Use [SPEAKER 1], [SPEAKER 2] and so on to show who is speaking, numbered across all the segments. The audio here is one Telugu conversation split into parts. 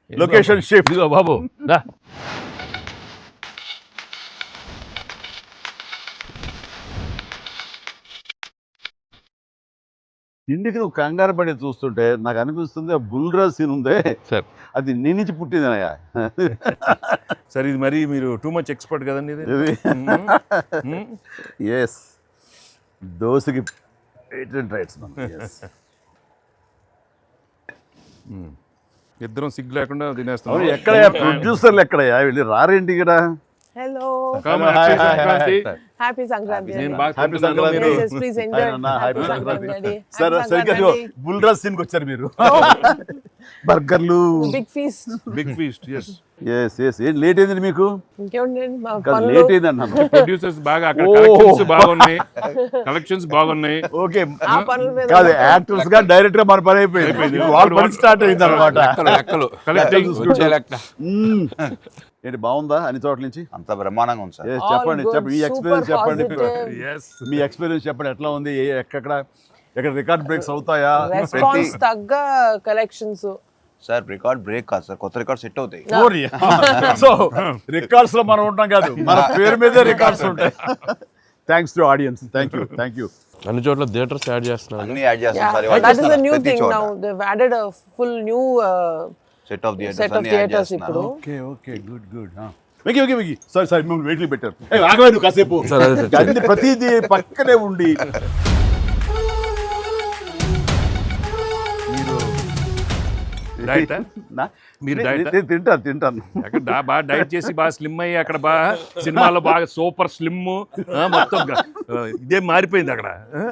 [SPEAKER 1] Location shift.
[SPEAKER 2] ఇదిగో బాబు దా.
[SPEAKER 1] ఇంటికి నువ్వు కంగారు పడి చూస్తుంటే నాకు అనిపిస్తుంది ఆ బుల్రాజ్ సీన్ ఉందే
[SPEAKER 2] సార్
[SPEAKER 1] అది నీ నుంచి పుట్టిందనయ్యా.
[SPEAKER 3] సార్ ఇది మరి మీరు టూ మచ్ ఎక్స్పర్ట్ కదండి ఇది.
[SPEAKER 1] ఎస్ దోశకి పేటెంట్ రైట్స్ మనం. Yes.
[SPEAKER 3] ఇద్దరం సిగ్గు లేకుండా తినేస్తాం.
[SPEAKER 1] అవును, ఎక్కడయ్యా ప్రొడ్యూసర్లు ఎక్కడయ్యా వెళ్ళి రారేంటి ఇక్కడ?
[SPEAKER 4] Hello.
[SPEAKER 3] Come on,
[SPEAKER 1] Hi,
[SPEAKER 3] happy
[SPEAKER 1] hi, hi,
[SPEAKER 3] Sankranti.
[SPEAKER 1] hi.
[SPEAKER 4] Happy Sankranti.
[SPEAKER 3] నేను
[SPEAKER 4] Anna.
[SPEAKER 3] బాగా
[SPEAKER 1] హ్యాపీ
[SPEAKER 3] తింటున్నాను,
[SPEAKER 1] సంక్రాంతి.
[SPEAKER 3] మీరు-
[SPEAKER 4] Yes, yes, please enjoy.
[SPEAKER 1] Happy
[SPEAKER 4] Happy
[SPEAKER 1] Sankranti.
[SPEAKER 4] Sankranti.
[SPEAKER 1] సరే
[SPEAKER 4] Happy
[SPEAKER 1] సరిగ్గా
[SPEAKER 4] Sankranti.
[SPEAKER 1] బుల్రాజ్ సీన్కి వచ్చారు మీరు. బర్గర్లు.
[SPEAKER 4] Big feast.
[SPEAKER 3] Big feast. Yes
[SPEAKER 1] yes yes ఏం లేట్ అయింది మీకు?
[SPEAKER 4] ఇంకేముందండి మా
[SPEAKER 1] కాదు
[SPEAKER 4] పనులు.
[SPEAKER 1] లేట్ అయింది అన్నాను.
[SPEAKER 3] ప్రొడ్యూసర్స్ బాగా అక్కడ
[SPEAKER 1] Oh.
[SPEAKER 3] కలెక్షన్స్ బాగున్నాయి, కలెక్షన్స్ బాగున్నాయి.
[SPEAKER 1] ఓకే
[SPEAKER 4] ఆ పనుల మీద
[SPEAKER 1] కాదు యాక్టర్స్ గా డైరెక్ట్ గా మన పని అయిపోయింది. వాళ్ళ పని స్టార్ట్ అయింది అనమాట.
[SPEAKER 2] లెక్కలు
[SPEAKER 3] కలెక్టింగ్
[SPEAKER 2] వచ్చే లెక్క.
[SPEAKER 1] ఏంటి బాగుందా అన్ని చోట్ల నుంచి?
[SPEAKER 5] అంత బ్రహ్మాండంగా ఉంది సార్.
[SPEAKER 1] Yes,
[SPEAKER 4] All
[SPEAKER 1] చెప్పండి
[SPEAKER 4] good,
[SPEAKER 1] చెప్పండి మీ
[SPEAKER 4] super
[SPEAKER 1] ఎక్స్పీరియన్స్ చెప్పండి.
[SPEAKER 4] positive.
[SPEAKER 3] ఎస్
[SPEAKER 1] మీ ఎక్స్పీరియన్స్ చెప్పండి ఎట్లా ఉంది? ఎక్కడ రికార్డ్ బ్రేక్స్ అవుతాయా?
[SPEAKER 4] రెస్పాన్స్ తగ్గ కలెక్షన్స్.
[SPEAKER 5] సార్ రికార్డ్ బ్రేక్ కాదు సార్, కొత్త రికార్డ్ సెట్ అవుతాయి.
[SPEAKER 1] సో రికార్డ్స్ లో మనం ఉంటాం కాదు, మన పేరు మీదే రికార్డ్స్ ఉంటాయి. Thanks to audience. Thank you.
[SPEAKER 2] అన్ని చోట్ల థియేటర్స్ యాడ్ చేస్తున్నారు.
[SPEAKER 5] అన్ని యాడ్ చేస్తాం sir.
[SPEAKER 4] That is a new thing now. They've added a full new
[SPEAKER 5] set of
[SPEAKER 4] set of theaters ఇప్పుడు.
[SPEAKER 1] Okay good. వెకి సారీ మిమ్మల్ని వెయిట్లు పెట్టారు. ఆగవే నువ్వు కాసేపు.
[SPEAKER 2] సరే, అదే సార్.
[SPEAKER 1] అన్ని ప్రతిదీ పక్కనే ఉండి
[SPEAKER 3] డైట్
[SPEAKER 1] నా-
[SPEAKER 3] మీరు
[SPEAKER 1] నే-
[SPEAKER 3] diet ఆ?
[SPEAKER 1] నేను తింటాను.
[SPEAKER 3] అక్కడ బాగా డైట్ చేసి బాగా స్లిమ్ అయ్యి అక్కడ బాగా సినిమాలో బాగా సూపర్ స్లిమ్ మొత్తం ఇదే మారిపోయింది అక్కడ.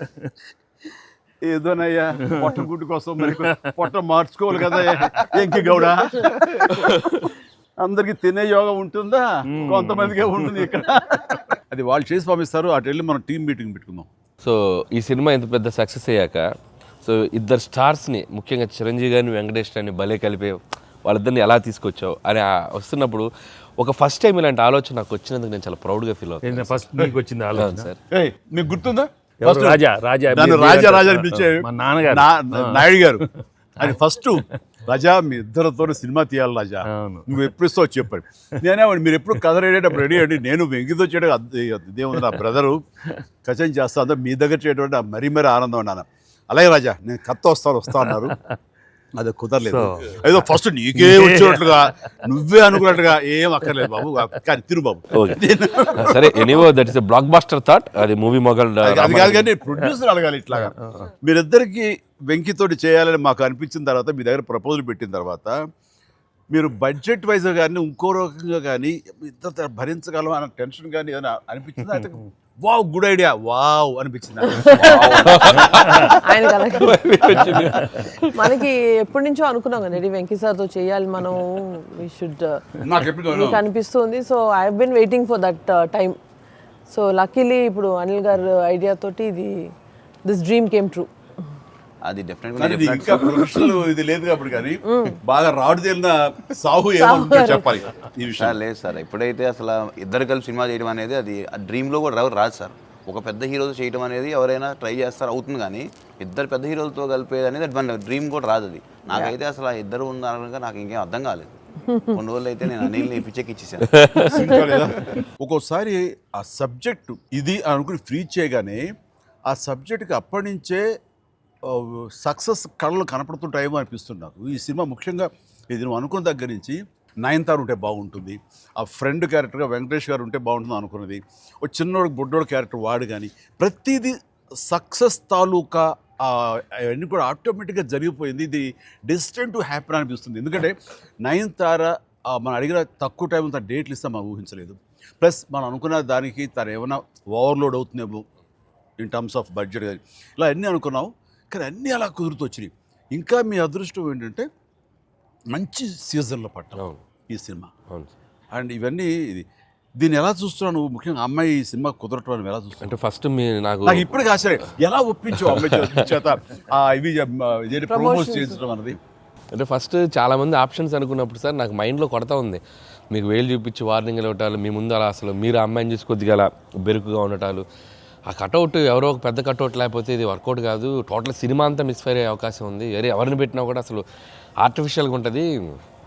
[SPEAKER 1] ఏదోనయ్యా పొట్ట గుడ్డు కోసం మరి పొట్ట మార్చుకోవాలి కదా ఎంకి గౌడ. అందరికి తినే యోగం ఉంటుందా? కొంతమందికే ఉంటుంది ఇక్కడ. అది వాళ్ళు చేసి పంపిస్తారు, అటు వెళ్ళి మనం టీం మీటింగ్ పెట్టుకుందాం.
[SPEAKER 2] సో ఈ సినిమా ఇంత పెద్ద సక్సెస్ అయ్యాక సో ఇద్దరు స్టార్స్ని ముఖ్యంగా చిరంజీవి గారిని వెంకటేష్ గారిని భలే కలిపే వాళ్ళిద్దరిని ఎలా తీసుకొచ్చావు అని వస్తున్నప్పుడు ఒక ఫస్ట్ టైం ఇలాంటి ఆలోచన నాకు వచ్చినందుకు నేను చాలా ప్రౌడ్గా ఫీల్ అవుతాను
[SPEAKER 3] ఫస్ట్ నీకు వచ్చింది ఆలోచన
[SPEAKER 2] సార్.
[SPEAKER 1] ఏయ్, మీకు గుర్తుందా?
[SPEAKER 3] ఎవరు?
[SPEAKER 1] First
[SPEAKER 3] రాజా
[SPEAKER 1] నన్ను రాజా అని పిలిచే
[SPEAKER 3] మా నాన్నగారు.
[SPEAKER 1] నాయుడు గారు. అది ఫస్ట్ రాజా మీ ఇద్దరితో సినిమా తీయాలి రాజా,
[SPEAKER 3] అవును.
[SPEAKER 1] నువ్వు ఎప్పుడు ఇస్తావు చెప్పాడు. నేనేమండి మీరు ఎప్పుడు కథ రెడీ రెడీ అండి, నేను వెంకితో చేయడం ఇదేముంది నా బ్రదరు కచం చేస్తా అంతా మీ దగ్గర చేయడం మరీ ఆనందం అన్నాను. అలాగే రాజా నేను కథ వస్తా అన్నారు. అది కుదరలేదు. ఏదో ఫస్ట్ నీకే వచ్చినట్లుగా నువ్వే అనుకున్నట్టుగా ఏం అక్కర్లేదు బాబు, కానీ తిరు బాబు.
[SPEAKER 2] సరే anyway that is blockbuster that. అది మూవీ మొగల్
[SPEAKER 1] అది కాదు కానీ ప్రొడ్యూసర్ అడగాలి ఇట్లాగా. మీరిద్దరికి వెంకితోటి చేయాలని మాకు అనిపించిన తర్వాత మీ దగ్గర ప్రపోజల్ పెట్టిన తర్వాత మీరు బడ్జెట్ వైజ్ కానీ ఇంకో రకంగా కానీ ఇద్దరు భరించగలం అన్న టెన్షన్ కానీ ఏదైనా అనిపించిందా? అయితే వావ్ గుడ్ ఐడియా వావ్ అనిపించింది.
[SPEAKER 4] ఆయన మనకి ఎప్పటి నుంచో అనుకున్నాం కదా వెంకీ సార్తో చేయాలి మనం, వి షుడ్
[SPEAKER 1] నాకు ఎప్పుడు
[SPEAKER 4] అనిపిస్తుంది. So I have been waiting for that time. So luckily ఇప్పుడు అనిల్ గారు ఐడియా తోటి దిస్ డ్రీమ్ కేమ్ ట్రూ.
[SPEAKER 5] అది
[SPEAKER 1] కానీ ఇది ఇంకా ప్రొఫెషనల్ ఇది లేదు కాబట్టి కానీ బాగా రాడు తేలిన సాహు ఏమో చెప్పాలి ఈ విషయం.
[SPEAKER 5] సార్ లేదు సార్, ఎప్పుడైతే అసలు ఇద్దరు కలిసి సినిమా చేయడం అనేది అది డ్రీమ్లో కూడా రాదు సార్. ఒక పెద్ద హీరోతో చేయడం అనేది ఎవరైనా ట్రై చేస్తారు అవుతుంది, కానీ ఇద్దరు పెద్ద హీరోలతో కలిపేది అనేది మన డ్రీమ్ కూడా రాదు. అది నాకైతే అసలు ఇద్దరు ఉన్నారనగా నాకు ఇంకేం అర్థం కాలేదు. కొన్ని రోజులు అయితే నేను అనిల్ని పిచ్చెక్కిచ్చేసాను.
[SPEAKER 1] ఒక్కోసారి ఆ సబ్జెక్టు ఇది అనుకుని ఫ్రీ చేయగానే ఆ సబ్జెక్ట్కి అప్పటి నుంచే సక్సెస్ కళలు కనపడుతుంటాయేమో అనిపిస్తుంది నాకు. ఈ సినిమా ముఖ్యంగా ఇది నువ్వు అనుకున్న దగ్గర నుంచి నయనతార ఉంటే బాగుంటుంది, ఆ ఫ్రెండ్ క్యారెక్టర్గా వెంకటేష్ గారు ఉంటే బాగుంటుంది అనుకున్నది, ఒక చిన్నోడు బుడ్డోడు క్యారెక్టర్ వాడు కానీ ప్రతిదీ సక్సెస్ తాలూకా అవన్నీ కూడా ఆటోమేటిక్గా జరిగిపోయింది. ఇది డెస్టిన్ టు హ్యాపీ అనిపిస్తుంది. ఎందుకంటే నయనతార మనం అడిగిన తక్కువ టైం తన డేట్లు ఇస్తే మనం ఊహించలేదు. ప్లస్ మనం అనుకున్న దానికి తను ఏమైనా ఓవర్లోడ్ అవుతుందేమో ఇన్ టర్మ్స్ ఆఫ్ బడ్జెట్ కానీ ఇలా అన్నీ అనుకున్నాం, కానీ అన్నీ అలా కుదురుతూ వచ్చినాయి. ఇంకా మీ అదృష్టం ఏంటంటే మంచి సీజన్లో పట్టాం ఈ సినిమా. అండ్ ఇవన్నీ దీన్ని ఎలా చూస్తున్నావు నువ్వు? ముఖ్యంగా అమ్మాయి ఈ సినిమా కుదరటం అని ఎలా చూస్తున్నావు?
[SPEAKER 2] అంటే ఫస్ట్ నాకు
[SPEAKER 1] ఇప్పటికీ ఆశ్చర్యం ఎలా ఒప్పించావు అమ్మాయి చేత ఇవి ప్రమోట్ చేయించడం అన్నది.
[SPEAKER 2] అంటే ఫస్ట్ చాలామంది ఆప్షన్స్ అనుకున్నప్పుడు సార్ నాకు మైండ్లో కొడతా ఉంది, మీకు వేలు చూపించి వార్నింగ్ ఇవ్వటాలు, మీ ముందు అలా అసలు మీరు అమ్మాయిని చూసి కొద్దిగా అలా బెరుకుగా ఉండటాలు, ఆ కటౌట్ ఎవరో ఒక పెద్ద కటౌట్ లేకపోతే ఇది వర్కౌట్ కాదు, టోటల్ సినిమా అంతా మిస్ఫైర్ అయ్యే అవకాశం ఉంది, ఎవరిని పెట్టినా కూడా అసలు ఆర్టిఫిషియల్గా ఉంటుంది,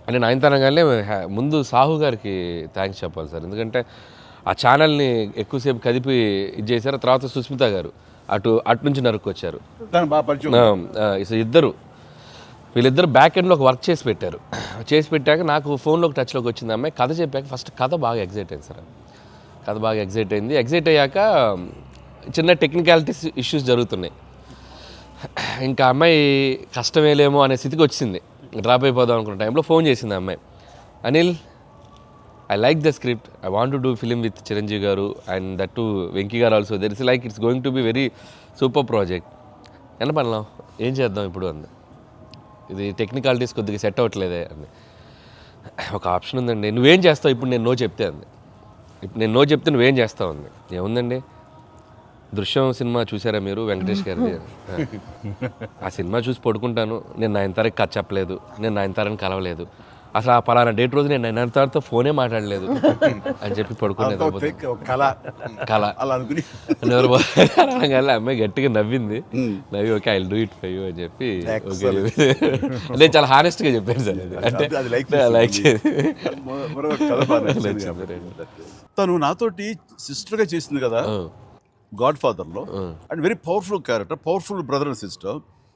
[SPEAKER 2] అంటే నయనతారగానే ముందు సాహు గారికి థ్యాంక్స్ చెప్పాలి సార్, ఎందుకంటే ఆ ఛానల్ని ఎక్కువసేపు కదిపి ఇది చేశారు. తర్వాత సుస్మిత గారు అటు నుంచి నరుక్కొచ్చారు.
[SPEAKER 1] దాని బాగా పరిచయం.
[SPEAKER 2] వీళ్ళిద్దరు బ్యాక్ ఎండ్లో ఒక వర్క్ చేసి పెట్టారు. చేసి పెట్టాక నాకు ఫోన్లోకి టచ్లోకి వచ్చింది అమ్మాయి. కథ చెప్పాక ఫస్ట్ కథ బాగా ఎగ్జైట్ అయింది సార్. కథ బాగా ఎగ్జైట్ అయింది. ఎగ్జైట్ అయ్యాక చిన్న టెక్నికాలిటీస్ ఇష్యూస్ జరుగుతున్నాయి. ఇంకా అమ్మాయి కష్టమేలేమో అనే స్థితికి వచ్చింది. డ్రాప్ అయిపోదాం అనుకున్న టైంలో ఫోన్ చేసింది అమ్మాయి, Anil I like the script, I want to do film with Chiranjeevi garu and that to Venky garu also, there is like it's going to be very super project. ఎంత పడలాం, ఏం చేద్దాం ఇప్పుడు అంది. ఇది టెక్నికాలిటీస్ కొద్దిగా సెట్ అవ్వట్లేదే అంది. ఒక ఆప్షన్ ఉందండి, నువ్వేం చేస్తావు ఇప్పుడు నేను నో చెప్తే అంది. ఇప్పుడు నేను నో చెప్తే నువ్వేం చేస్తావు అంది. ఏముందండి, దృశ్యం సినిమా చూసారా మీరు వెంకటేష్ గారిది? ఆ సినిమా చూసి పడుకుంటాను, నేను నయనతారకి కథ చెప్పలేదు, నేను నయనతారని కలవలేదు, అసలు ఆ పలానా డేట్ రోజు నేను నయనతారతో ఫోనే మాట్లాడలేదు అని చెప్పి పడుకునేది. కళ
[SPEAKER 1] అలా అనుకుని
[SPEAKER 2] అనగానే అమ్మాయి గట్టిగా నవ్వింది. నవ్వి okay I will do it for you అని చెప్పి నేను చాలా హానెస్ట్గా చెప్పాను సార్. అంటే లైక్
[SPEAKER 1] తను నాతోటి సిస్టర్గా చేసింది కదా గాడ్ ఫాదర్లో, and very powerful character, powerful brother and sister.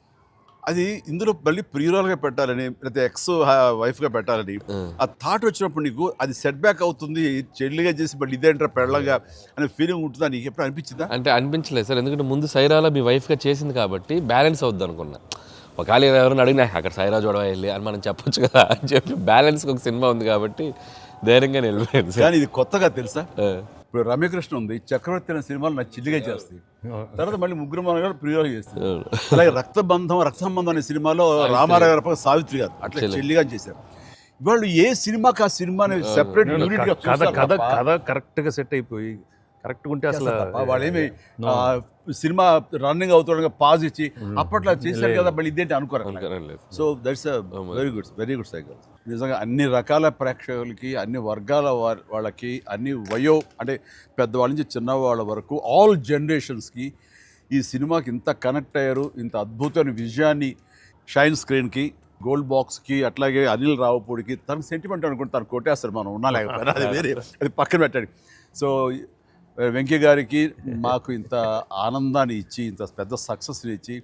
[SPEAKER 1] అది ఇందులో మళ్ళీ ప్రియురాలుగా పెట్టాలని లేకపోతే ఎక్స్ వైఫ్గా పెట్టాలని ఆ థాట్ వచ్చినప్పుడు నీకు అది సెట్ బ్యాక్ అవుతుంది, చెల్లిగా చేసి మళ్ళీ ఇదేంటారా పెళ్ళగా అనే ఫీలింగ్ ఉంటుందా నీకు ఎప్పుడు అనిపించిందా?
[SPEAKER 2] అంటే అనిపించలేదు సార్, ఎందుకంటే ముందు సైరాలో మీ వైఫ్గా చేసింది కాబట్టి బ్యాలెన్స్ అవుద్ది అనుకున్నా. ఒకవేళ ఎవరైనా అడిగినా అక్కడ సైరా చూడవా వెళ్ళి అని మనం చెప్పొచ్చు కదా అని చెప్పి బ్యాలెన్స్కి ఒక సినిమా ఉంది కాబట్టి ధైర్యంగా వెళ్ళిపోయింది.
[SPEAKER 1] కానీ ఇది కొత్తగా తెలుసా, ఇప్పుడు రమ్యకృష్ణ ఉంది, చక్రవర్తి అనే సినిమాలు నా చిల్లిగా చేస్తాయి, తర్వాత మళ్ళీ ముగ్గురు మనగారు ప్రియురాలు చేస్తారు. అలాగే రక్త సంబంధం అనే సినిమాలో రామారావు గారు సావిత్రి గారు అట్లా చెల్లిగా చేశారు. వాళ్ళు ఏ సినిమాకి ఆ సినిమాని సెపరేట్ యూనిట్ గా
[SPEAKER 3] కథ కరెక్ట్ గా సెట్ అయిపోయి కరెక్ట్ ఉంటే అసలు
[SPEAKER 1] వాళ్ళేమి సినిమా రన్నింగ్ అవుతుండగా పాజ్ ఇచ్చి అప్పట్లో చేశారు కదా మళ్ళీ ఇదేంటి అనుకోరు. So that's very good cycle. నిజంగా అన్ని రకాల ప్రేక్షకులకి, అన్ని వర్గాల వాళ్ళకి, అన్ని అంటే పెద్దవాళ్ళ నుంచి చిన్నవాళ్ళ వరకు ఆల్ జనరేషన్స్కి ఈ సినిమాకి ఇంత కనెక్ట్ అయ్యారు. ఇంత అద్భుతమైన విజయాన్ని షైన్ స్క్రీన్కి, గోల్డ్ బాక్స్కి, అట్లాగే అనిల్ రావుపూడికి తనకు సెంటిమెంట్ అనుకుంటే తను కొట్టేస్తారు, మనం ఉన్నా లేకపోయినా అది వేరే, అది పక్కన పెట్టండి. సో వెంకీ గారికి మాకు ఇంత ఆనందాన్ని ఇచ్చి, ఇంత పెద్ద సక్సెస్ని ఇచ్చి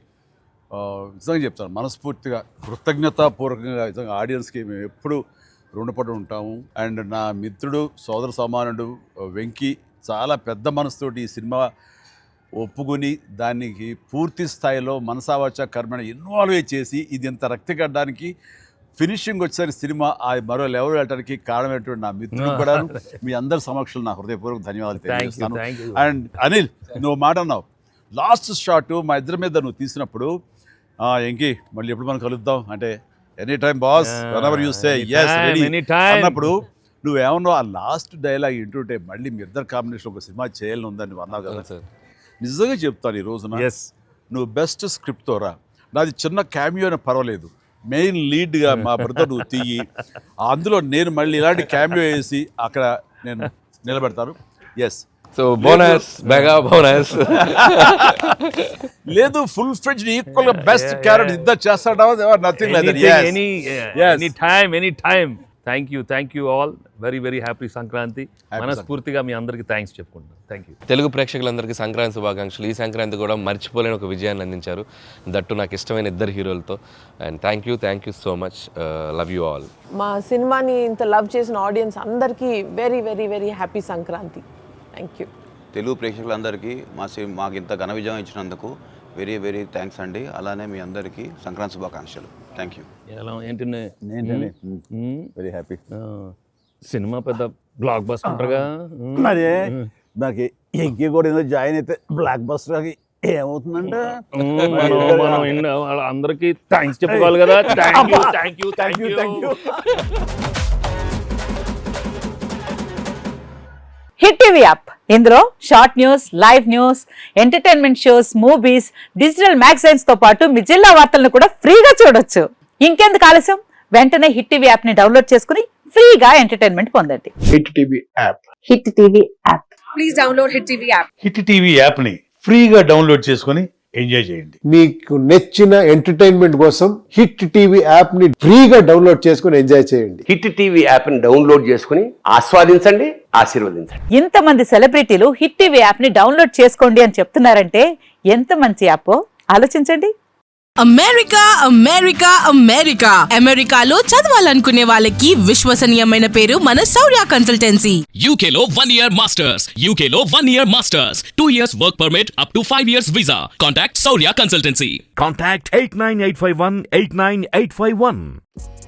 [SPEAKER 1] నిజంగా చెప్తాను మనస్ఫూర్తిగా కృతజ్ఞతాపూర్వకంగా నిజంగా ఆడియన్స్కి మేము ఎప్పుడు రుణపడి ఉంటాము. అండ్ నా మిత్రుడు, సోదర సమానుడు వెంకీ చాలా పెద్ద మనసుతోటి ఈ సినిమా ఒప్పుకొని దానికి పూర్తి స్థాయిలో మనసావాచ కర్మని ఇన్వాల్వ్ చేసి ఇది ఇంత రక్తిగడ్డానికి ఫినిషింగ్ వచ్చేసరికి సినిమా ఆ మరో లెవెల్ వెళ్ళడానికి కారణమైనటువంటి నా మిత్రుడు కూడా మీ అందరి సమక్షంలో నా హృదయపూర్వక ధన్యవాదాలు తెలియజేస్తాను. అండ్ అనిల్, నువ్వు మాట అన్నావు లాస్ట్ షాట్ మా ఇద్దరి మీద నువ్వు తీసినప్పుడు, ఎంకి మళ్ళీ ఎప్పుడు మనం కలుద్దాం అంటే any time boss, whenever you say yes ready అన్నప్పుడు నువ్వేమన్నావు, ఆ లాస్ట్ డైలాగ్ వింటుంటే మళ్ళీ మీ ఇద్దరు కాంబినేషన్ ఒక సినిమా చేయాలని ఉందని నువ్వు అన్నావు కదా. నిజంగా చెప్తాను ఈ రోజున నువ్వు బెస్ట్ స్క్రిప్ట్తో రా, నాది చిన్న క్యామియో అని పర్వాలేదు, మెయిన్ లీడ్గా మా బ్రదర్ నువ్వు తీయి, అందులో నేను మళ్ళీ ఇలాంటి క్యామియో వేసి అక్కడ నేను నిలబెడతాను. Yes,
[SPEAKER 2] so bonus mega bonus
[SPEAKER 1] లేదు ఫుల్ ఫ్లెడ్జ్డ్ ఈక్వల్ గా బెస్ట్ క్యారెక్టర్ ఇద్దరు చేస్తాడా, nothing like that.
[SPEAKER 3] Any time. Thank you all. Very happy Sankranti. మనస్ఫూర్తిగా మీ అందరికీ థ్యాంక్స్ చెప్పుకుంటాను. Thank you.
[SPEAKER 2] తెలుగు ప్రేక్షకులందరికీ సంక్రాంతి శుభాకాంక్షలు. ఈ సంక్రాంతి కూడా మర్చిపోలేని ఒక విజయాన్ని అందించారు, దట్టు నాకు ఇష్టమైన ఇద్దరు హీరోలతో. And thank you so much. Love you all.
[SPEAKER 4] మా సినిమాని ఇంత లవ్ చేసిన ఆడియన్స్ అందరికీ very happy Sankranti. Thank you.
[SPEAKER 5] Telugu ప్రేక్షకులందరికీ మాకు ఇంత ఘన విజయం ఇచ్చినందుకు వెరీ థ్యాంక్స్ అండి. అలానే మీ అందరికీ సంక్రాంతి శుభాకాంక్షలు. Thank you.
[SPEAKER 3] ఎలా ఏంటి
[SPEAKER 1] వెరీ హ్యాపీ.
[SPEAKER 3] సినిమా పెద్ద బ్లాక్ బస్టర్గా
[SPEAKER 1] మరి నాకు ఎంకి కూడా ఏదో జాయిన్ అయితే బ్లాక్ బస్టర్కి ఏమవుతుందంటే
[SPEAKER 3] మనం అందరికీ థ్యాంక్స్ చెప్పుకోవాలి కదా. Thank you.
[SPEAKER 6] Hit TV app, ఇందులో short news, live news, entertainment shows, movies, digital magazines తో పాటు మీ జిల్లా వార్తలను కూడా ఫ్రీగా చూడొచ్చు. ఇంకెందుకు ఆలస్యం, వెంటనే హిట్ టీవీ యాప్ ని డౌన్లోడ్ చేసుకుని ఫ్రీగా ఎంటర్టైన్మెంట్ పొందండి.
[SPEAKER 7] Hit TV app.
[SPEAKER 6] Hit TV app.
[SPEAKER 8] Please download hit TV app.
[SPEAKER 7] Hit TV app ని ఫ్రీగా డౌన్లోడ్ చేసుకొని ఎంజాయ్ చేయండి.
[SPEAKER 8] మీకు నచ్చిన ఎంటర్టైన్మెంట్ కోసం హిట్ టీవీ యాప్ ని ఫ్రీగా డౌన్లోడ్ చేసుకుని ఎంజాయ్ చేయండి.
[SPEAKER 9] హిట్ టీవీ యాప్ని డౌన్లోడ్ చేసుకుని ఆస్వాదించండి, ఆశీర్వదించండి.
[SPEAKER 6] ఇంతమంది సెలబ్రిటీలు హిట్ టీవీ యాప్ ని డౌన్లోడ్ చేసుకోండి అని చెప్తున్నారంటే ఎంత మంచి యాప్ ఆలోచించండి.
[SPEAKER 10] అమెరికా అమెరికా అమెరికా అమెరికాలో చదవాలనుకునే వాళ్ళకి విశ్వసనీయమైన పేరు మన శౌర్య కన్సల్టెన్సీ.
[SPEAKER 11] UK లో 1 year masters, UK లో 1 year masters, 2 years work permit up to 5 years visa. Contact Saurya Consultancy.
[SPEAKER 3] Contact 89851 89851.